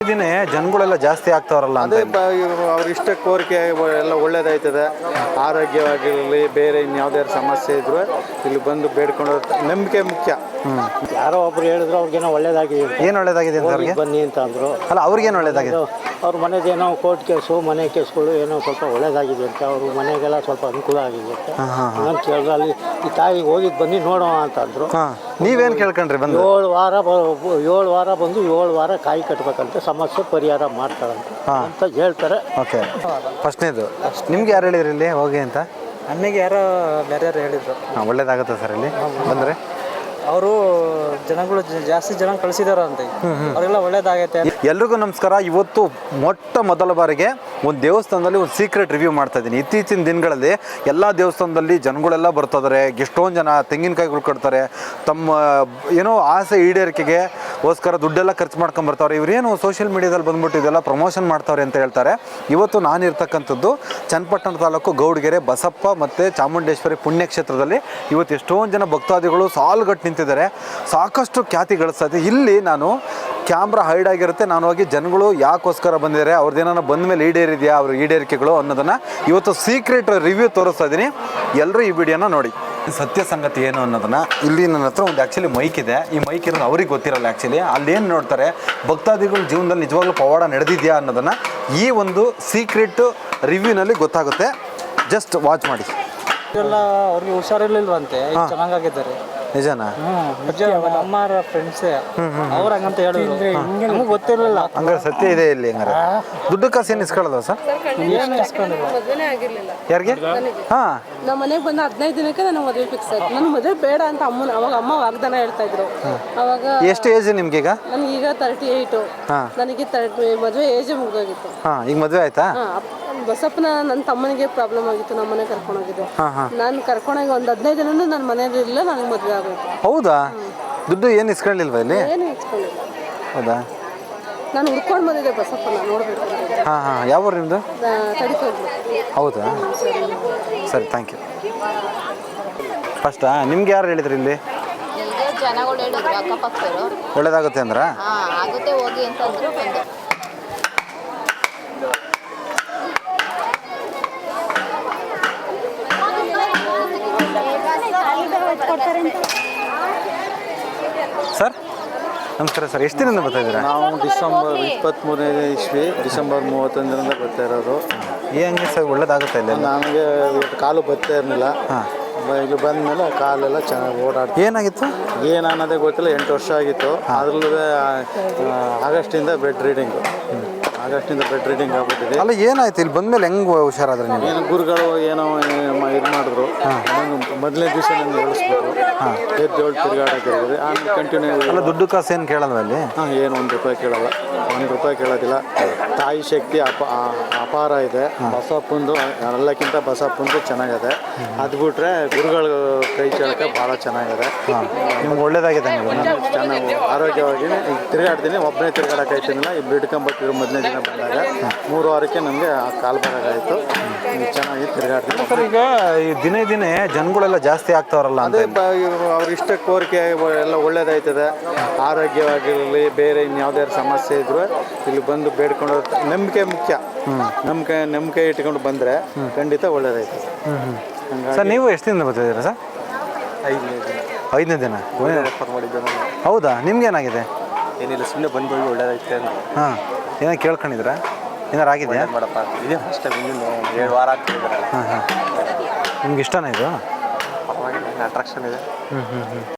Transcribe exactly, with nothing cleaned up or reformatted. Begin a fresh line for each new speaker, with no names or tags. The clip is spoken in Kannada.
ದಿನೇ ಜನಗಳೆಲ್ಲ ಜಾಸ್ತಿ ಆಗ್ತಾವ್ರಲ್ಲ ಅಂತ
ಅವ್ರ ಇಷ್ಟ ಕೋರಿಕೆ ಎಲ್ಲ ಒಳ್ಳೇದಾಯ್ತದೆ. ಆರೋಗ್ಯವಾಗಿರಲಿ, ಬೇರೆ ಇನ್ಯಾವುದೇ ಸಮಸ್ಯೆ ಇದ್ರು ಇಲ್ಲಿ ಬಂದು ಬೇಡ್ಕೊಂಡು ನಂಬಿಕೆ ಮುಖ್ಯ.
ಯಾರೋ ಒಬ್ರು ಹೇಳಿದ್ರು ಅವ್ರಿಗೇನೋ ಒಳ್ಳೇದಾಗಿದೆ.
ಏನು ಒಳ್ಳೇದಾಗಿದೆ ಅಂತ ಅವ್ರಿಗೆ
ಬನ್ನಿ ಅಂತ ಅಂದರು.
ಅಲ್ಲ, ಅವ್ರಿಗೇನು ಒಳ್ಳೇದಾಗಿದೆ?
ಅವ್ರ ಮನೆದೇನೋ ಕೋರ್ಟ್ ಕೇಸು, ಮನೆ ಕೇಸ್ಗಳು ಏನೋ ಸ್ವಲ್ಪ ಒಳ್ಳೇದಾಗಿದೆ ಅಂತ, ಅವ್ರ ಮನೆಗೆಲ್ಲ ಸ್ವಲ್ಪ ಅನುಕೂಲ ಆಗಿದೆ ಅಂತ ಅಂತ ಕೇಳಿದ್ರು. ಅಲ್ಲಿ ಈ ತಾಯಿಗೆ ಹೋಗಿದ್ದು ಬನ್ನಿ ನೋಡೋಣ ಅಂತ ಅಂದರು.
ನೀವೇನು ಕೇಳ್ಕೊಂಡ್ರಿ ಬಂದು?
ಏಳು ವಾರ ಏಳು ವಾರ ಬಂದು ಏಳು ವಾರ ಕಾಯಿ ಕಟ್ಟಬೇಕಂತೆ, ಸಮಸ್ಯೆ ಪರಿಹಾರ ಮಾಡ್ತಾರಂತೆ ಅಂತ ಹೇಳ್ತಾರೆ.
ಓಕೆ, ಫಸ್ಟ್ನೇದು ನಿಮ್ಗೆ ಯಾರು ಹೇಳಿದ್ರಿ ಇಲ್ಲಿ ಹೋಗಿ ಅಂತ?
ನನಗೆ ಯಾರೋ ಬೇರೆಯವ್ರು ಹೇಳಿದರು.
ಹಾಂ, ಒಳ್ಳೇದಾಗುತ್ತೆ ಸರ್ ಇಲ್ಲಿ ಬಂದರೆ.
ಅವರು ಜನಗಳು ಜಾಸ್ತಿ ಜನ ಕಳಿಸಿದಾರ ಅಂತ, ಅವರೆಲ್ಲ ಒಳ್ಳೇದಾಗೈತೆ.
ಎಲ್ರಿಗೂ ನಮಸ್ಕಾರ. ಇವತ್ತು ಮೊಟ್ಟ ಮೊದಲ ಬಾರಿಗೆ ಒಂದು ದೇವಸ್ಥಾನದಲ್ಲಿ ಒಂದು ಸೀಕ್ರೆಟ್ ರಿವ್ಯೂ ಮಾಡ್ತಾ ಇದ್ದೀನಿ. ಇತ್ತೀಚಿನ ದಿನಗಳಲ್ಲಿ ಎಲ್ಲ ದೇವಸ್ಥಾನದಲ್ಲಿ ಜನಗಳೆಲ್ಲ ಬರ್ತಿದ್ದಾರೆ. ಎಷ್ಟೊಂದು ಜನ ತೆಂಗಿನಕಾಯಿಗಳು ಕೊಡ್ತಾರೆ, ತಮ್ಮ ಏನೋ ಆಸೆ ಈಡೇರಿಕೆಗೆ ಗೋಸ್ಕರ ದುಡ್ಡೆಲ್ಲ ಖರ್ಚು ಮಾಡ್ಕೊಂಡು ಬರ್ತಾರೆ. ಇವರೇನು ಸೋಷಿಯಲ್ ಮೀಡಿಯಾದಲ್ಲಿ ಬಂದ್ಬಿಟ್ಟು ಇದೆಲ್ಲ ಪ್ರಮೋಷನ್ ಮಾಡ್ತಾವ್ರೆ ಅಂತ ಹೇಳ್ತಾರೆ. ಇವತ್ತು ನಾನು ಇರ್ತಕ್ಕಂಥದ್ದು ಚನ್ನಪಟ್ಟಣ ತಾಲೂಕು ಗೌಡಗೆರೆ ಬಸಪ್ಪ ಮತ್ತು ಚಾಮುಂಡೇಶ್ವರಿ ಪುಣ್ಯಕ್ಷೇತ್ರದಲ್ಲಿ. ಇವತ್ತು ಎಷ್ಟೊಂದು ಜನ ಭಕ್ತಾದಿಗಳು ಸಾಲುಗಟ್ಟು ನಿಂತಿದ್ದಾರೆ, ಸಾಕಷ್ಟು ಖ್ಯಾತಿ ಗಳಿಸ್ತಾ. ಇಲ್ಲಿ ನಾನು ಕ್ಯಾಮ್ರಾ ಹೈಡ್ ಆಗಿರುತ್ತೆ, ನಾನು ಹೋಗಿ ಜನಗಳು ಯಾಕೋಸ್ಕರ ಬಂದಿದ್ದಾರೆ, ಅವ್ರದ್ದೇನೋ ಬಂದ ಮೇಲೆ ಈಡೇರಿದೆಯಾ ಅವ್ರ ಈಡೇರಿಕೆಗಳು ಅನ್ನೋದನ್ನು ಇವತ್ತು ಸೀಕ್ರೆಟ್ ರಿವ್ಯೂ ತೋರಿಸ್ತಾ ಇದ್ದೀನಿ. ಎಲ್ಲರೂ ಈ ವಿಡಿಯೋನ ನೋಡಿ. ಸತ್ಯ ಸಂಗತಿ ಏನು ಅನ್ನೋದನ್ನು ಇಲ್ಲಿ ನನ್ನ ಹತ್ರ ಒಂದು ಆ್ಯಕ್ಚುಲಿ ಮೈಕ್ ಇದೆ. ಈ ಮೈಕ್ ಇರೋದು ಅವ್ರಿಗೆ ಗೊತ್ತಿರಲ್ಲ. ಆ್ಯಕ್ಚುಲಿ ಅಲ್ಲೇನು ನೋಡ್ತಾರೆ, ಭಕ್ತಾದಿಗಳ ಜೀವನದಲ್ಲಿ ನಿಜವಾಗ್ಲೂ ಪವಾಡ ನಡೆದಿದೆಯಾ ಅನ್ನೋದನ್ನು ಈ ಒಂದು ಸೀಕ್ರೆಟ್ ರಿವ್ಯೂನಲ್ಲಿ ಗೊತ್ತಾಗುತ್ತೆ. ಜಸ್ಟ್ ವಾಚ್ ಮಾಡಿ.
ಎಲ್ಲ ಅವ್ರಿಗೆ ಹುಷಾರಿರ್ಲಿಲ್ವಂತೆ, ಚೆನ್ನಾಗಿದ್ದಾರೆ.
ನಿಜನಾ?
ನಿಜ, ಅಮ್ಮರ ಫ್ರೆಂಡ್ಸೇ ಅವ್ರ ಹಂಗಂತ ಹೇಳಿದ್ರು. ನಮಗೂ ಗೊತ್ತಿರಲಿಲ್ಲ.
ಹಂಗಾರೆ ಸತ್ಯ ಇದೆ ಇಲ್ಲಿ. ಹಂಗಾರೆ ದುಡ್ಡು ಕಾಸು ಏನು ಇಸ್ಕೊಳ್ಳೋದು ಸರ್?
ಏನು ಇಸ್ಕೊಂಡಿಲ್ಲ.
ಯಾರಿಗೆ? ಹಾಂ,
ನಮ್ಮ ಮನೆಗೆ ಬಂದ ಹದಿನೈದು ದಿನಕ್ಕೆ ನನಗೆ ಮದುವೆ ಫಿಕ್ಸ್ ಆಯ್ತು. ನನ್ನ ಮದುವೆ ಬೇಡ ಅಂತ ಅಮ್ಮನ ಅವಾಗ ಅಮ್ಮ ವಾಗ್ದಾನ ಹೇಳ್ತಾ ಇದ್ರು. ಅವಾಗ
ಎಷ್ಟು ಏಜ್ ನಿಮ್ಗೀಗ?
ನನಗೀಗ ತರ್ಟಿ ಏಯ್ಟು. ನನಗೆ ತರ್ಟಿ ಮದುವೆ ಏಜ್ ಮುಗಿದೋಗಿತ್ತು.
ಹಾಂ, ಈಗ ಮದುವೆ ಆಯ್ತಾ?
ಬಸಪ್ಪನ ನನ್ನ ತಮ್ಮನಿಗೆ ಪ್ರಾಬ್ಲಮ್ ಆಗಿತ್ತು, ನಮ್ಮ ಮನೆ ಕರ್ಕೊಂಡೋಗಿದ್ದು. ನಾನು ಕರ್ಕೊಂಡೋಗಿ ಒಂದು ಹದಿನೈದು ದಿನ ನನ್ನ ಮನೇಲಿ ಇಲ್ಲ, ನನಗೆ ಮದುವೆ ಆಗೋಯ್ತು.
ಹೌದಾ? ದುಡ್ಡು ಏನು ಇಸ್ಕೊಳ್ಳಿಲ್ವಾ ಇಲ್ಲಿ?
ಏನು ಇಸ್ಕೊಂಡಿಲ್ಲ.
ಹೌದಾ?
ನಾನು ಹುಡ್ಕೊಂಡು ಬಂದಿದ್ದೆ ಬಸಪ್ಪನ ನೋಡ್ಬೇಕು.
ಹಾಂ ಹಾಂ, ಯಾವ ಊರು ನಿಮ್ಮದು?
ತಡಿಕೋಗಿ.
ಹೌದಾ? ಸರಿ, ಥ್ಯಾಂಕ್ ಯು. ಫಸ್ಟಾ ನಿಮ್ಗೆ ಯಾರು ಹೇಳಿದ್ರಿ ಇಲ್ಲಿ?
ಜನಗಳು ಹೇಳಿದ್ರು, ಅಕ್ಕಪಕ್ಕದವರು.
ಒಳ್ಳೇದಾಗುತ್ತೆ ಅಂದ್ರ?
ಹಾಂ, ಆಗುತ್ತೆ ಹೋಗಿ ಅಂತಂದ್ರು. ಬಂದೆ.
ಸರ್ ನಮಸ್ಕಾರ ಸರ್. ಎಷ್ಟು ದಿನದಿಂದ ಬರ್ತಾ ಇದ್ದೀರಾ?
ನಾವು ಡಿಸೆಂಬರ್ ಇಪ್ಪತ್ತ್ಮೂರನೇ ಇಸ್ವಿ ಡಿಸೆಂಬರ್ ಮೂವತ್ತೊಂದರಿಂದ ಬರ್ತಾ ಇರೋದು.
ಹೆಂಗೆ ಸರ್ ಒಳ್ಳೇದಾಗುತ್ತೆ ಇಲ್ಲಿ?
ನನಗೆ ಕಾಲು ಬರ್ತಾ ಇರಲಿಲ್ಲ.
ಹಾಂ,
ಇಲ್ಲಿ ಬಂದ ಮೇಲೆ ಕಾಲೆಲ್ಲ ಚೆನ್ನಾಗಿ ಓಡಾಡ್ತು.
ಏನಾಗಿತ್ತು
ಏನು ಅನ್ನೋದೇ ಗೊತ್ತಿಲ್ಲ. ಎಂಟು ವರ್ಷ ಆಗಿತ್ತು. ಅದ್ರಲ್ಲೂ ಆಗಸ್ಟಿಂದ ಬೆಡ್ ರೀಡಿಂಗು ಆಗಸ್ಟಿಂದ ಬೆಡ್ ರೀಡಿಂಗ್ ಆಗ್ಬಿಟ್ಟಿದೆ.
ಅಲ್ಲ, ಏನಾಯ್ತು ಇಲ್ಲಿ ಬಂದಮೇಲೆ ಹೆಂಗೆ ಹುಷಾರಾದ್ರೆ ನೀವು?
ಏನು ಗುರುಗಳು ಏನೋ ಇದು ಮಾಡಿದ್ರು. ಮೊದಲನೇ ದಿವಸ ನನ್ನ ಹೇಳಿಸ್ಬಿಟ್ರು. ಎದ್ದೇಳು ತಿರುಗಾಡೋಕೆ. ಆಮೇಲೆ ಕಂಟಿನ್ಯೂ.
ಅಲ್ಲ, ದುಡ್ಡು ಕಾಸು ಏನು ಕೇಳಲ್ವ ಅಲ್ಲಿ?
ಹಾಂ, ಏನು ಒಂದು ರೂಪಾಯಿ ಕೇಳಲ್ಲ. ಒಂದು ರೂಪಾಯಿ ಕೇಳೋದಿಲ್ಲ. ತಾಯಿ ಶಕ್ತಿ ಅಪ ಅಪಾರ ಇದೆ. ಬಸಪ್ಪಂದು ಎಲ್ಲಕ್ಕಿಂತ ಬಸಪ್ಪಂದು ಚೆನ್ನಾಗಿದೆ. ಅದು ಬಿಟ್ರೆ ಗುರುಗಳ ಕೈ ಚಳಕ ಭಾಳ ಚೆನ್ನಾಗಿದೆ.
ನಿಮ್ಗೆ ಒಳ್ಳೇದಾಗಿದೆ?
ಚೆನ್ನಾಗಿ ಆರೋಗ್ಯವಾಗಿ ತಿರುಗಾಡ್ತೀನಿ. ಒಬ್ಬನೇ ತಿರುಗಾಡಕ್ಕೆ ಆಯ್ತಿಲ್ಲ. ಈ ಬಿಡ್ಕೊಂಬತ್ತಿದ್ರು ಮೊದಲನೇ ದಿನ ಬಂದಾಗ ಮೂರು ವಾರಕ್ಕೆ ನಮಗೆ ಆ ಕಾಲು ಬರೋಕ್ಕಾಯಿತು. ಚೆನ್ನಾಗಿ ತಿರುಗಾಡ್ತೀನಿ.
ಸರ್, ಈಗ ಈ ದಿನೇ ದಿನೇ ಜನಗಳೆಲ್ಲ ಜಾಸ್ತಿ ಆಗ್ತಾವ್ರಲ್ಲ?
ಅದೇ ಅವ್ರ ಇಷ್ಟ ಕೋರಿಕೆ ಎಲ್ಲ ಒಳ್ಳೇದಾಯ್ತದೆ. ಆರೋಗ್ಯವಾಗಿರಲಿ, ಬೇರೆ ಇನ್ಯಾವುದೇ ಸಮಸ್ಯೆ ಇದ್ರು ಇಲ್ಲಿ ಬಂದು ಬೇಡ್ಕೊಂಡು ನಂಬಿಕೆ ಮುಖ್ಯ. ನಂಬಿಕೆ ನಂಬಿಕೆ ಇಟ್ಕೊಂಡು ಬಂದರೆ ಖಂಡಿತ ಒಳ್ಳೇದಾಯ್ತದೆ.
ಸರ್, ನೀವು ಎಷ್ಟು ದಿನ ಬರ್ತಿದ್ದೀರಾ ಸರ್?
ಐದನೇ ದಿನ.
ಐದನೇ ದಿನ
ರೆಫರ್ ಮಾಡಿದ್ದೆ ನಾನು.
ಹೌದಾ? ನಿಮ್ಗೇನಾಗಿದೆ?
ಏನಿಲ್ಲ, ಸುಮ್ಮನೆ ಬಂದು ಹೋಗಿ ಒಳ್ಳೇದಾಯ್ತು ಅಂತ.
ಹಾಂ, ಏನೋ ಕೇಳ್ಕೊಂಡಿದ್ರಾ? ಏನಾರು ಆಗಿದೆಯಾ?
ಮಾಡಪ್ಪ, ಇದೇ ಫಸ್ಟ್ ಟೈಮ್. ಇನ್ನೂ ಏಳು ವಾರ ಆಗ್ತಿದ್ದಾರೆ.
ಹಾಂ ಹಾಂ. ನಿಮ್ಗೆ ಇಷ್ಟನಾ ಇದು?
ಅಟ್ರಾಕ್ಷನ್ ಇದೆ.
ಹ್ಞೂ ಹ್ಞೂ ಹ್ಞೂ